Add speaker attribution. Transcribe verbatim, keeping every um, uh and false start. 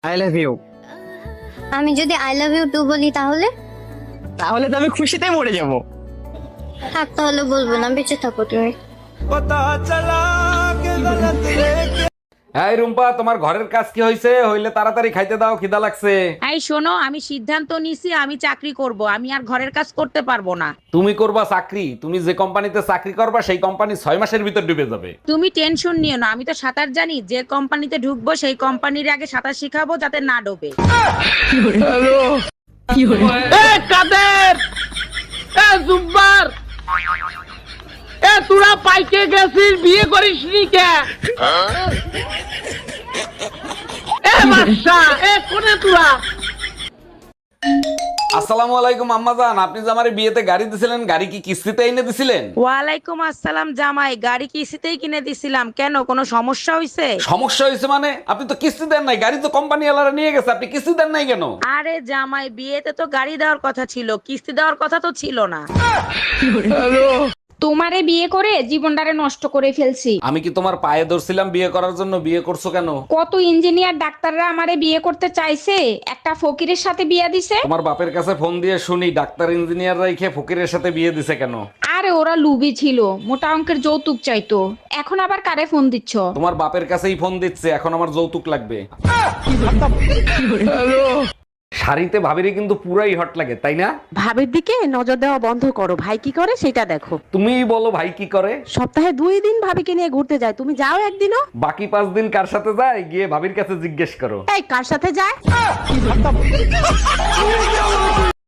Speaker 1: I love you.
Speaker 2: আমি যদি I love you two বলি তাহলে?
Speaker 1: তাহলে তো আমি খুশিতে মরে যাব।
Speaker 2: থাক তাহলে বলবো না, বেঁচে থাকো তুমি।
Speaker 3: এই রুম্পা, তোমার ঘরের কাজ কি হয়েছে? হইলে তাড়াতাড়ি খাইতে দাও, খিদা লাগছে।
Speaker 4: এই শোনো, আমি সিদ্ধান্ত নিছি আমি চাকরি করব, আমি আর ঘরের কাজ করতে পারবো না।
Speaker 3: তুমি করবা চাকরি? তুমি যে কোম্পানিতে চাকরি করবা সেই কোম্পানি ছয় মাসের ভিতর ডুবে যাবে।
Speaker 4: তুমি টেনশন নিও না, আমি তো সাঁতার জানি। যে কোম্পানিতে ঢুকবো সেই কোম্পানির আগে সাঁতার শিখাবো যাতে না ডোবে।
Speaker 5: কাদের এ জুব্বার এ তোরা পাইকে গেছিস, বিয়ে করিস নি কে? এ বাদশা এ কোনে তোরা?
Speaker 3: আসসালামু আলাইকুম আম্মাজান, আপনি যে আমার বিয়েতে গাড়ি দিছিলেন, গাড়ি কি কিস্তিতে এনে দিছিলেন?
Speaker 4: ওয়ালাইকুম আসসালাম জামাই, গাড়ি কিস্তিতেই কিনে দিছিলাম। কেন, কোনো সমস্যা হয়েছে?
Speaker 3: সমস্যা হয়েছে মানে? আপনি তো কিস্তি দেন নাই, গাড়ি তো কোম্পানি ওয়ালারা নিয়ে গেছে, আপনি কিস্তি দেন নাই কেন?
Speaker 4: আরে জামাই, বিয়েতে তো গাড়ি দেওয়ার কথা ছিল, কিস্তি দেওয়ার কথা তো ছিল না।
Speaker 6: তোমারে বিয়ে করে জীবনটারে নষ্ট করে ফেলছি।
Speaker 3: আমি কি তোমার পায়ে ধরছিলাম বিয়ে করার জন্য? বিয়ে করছো কেন?
Speaker 6: কত ইঞ্জিনিয়ার ডাক্তাররা আমারে বিয়ে করতে চাইছে, একটা ফকিরের সাথে বিয়ে দিছে।
Speaker 3: তোমার বাপের কাছে ফোন দিয়ে শুনি ডাক্তার ইঞ্জিনিয়ার রাইখে ফকিরের সাথে বিয়ে দিছে কেন?
Speaker 6: আরে ওরা লুবি ছিল, মোটা অঙ্কের যৌতুক চাইতো। এখন আবার কারে ফোন দিচ্ছ?
Speaker 3: তোমার বাপের কাছেই ফোন দিচ্ছে, এখন আমার যৌতুক লাগবে। শাড়িতে ভাবিরে কিন্তু পুরাই হট লাগে, তাই না?
Speaker 7: ভাবির দিকে নজর দেওয়া বন্ধ করো, ভাই কি করে সেটা দেখো।
Speaker 3: তুমিই বলো ভাই কি করে?
Speaker 7: সপ্তাহে দুই দিন ভাবিকে নিয়ে ঘুরতে যায়, তুমি যাও একদিনও?
Speaker 3: বাকি পাঁচ দিন কার সাথে যায় গিয়ে ভাবির কাছে জিজ্ঞেস করো।
Speaker 7: এই কার সাথে যায়?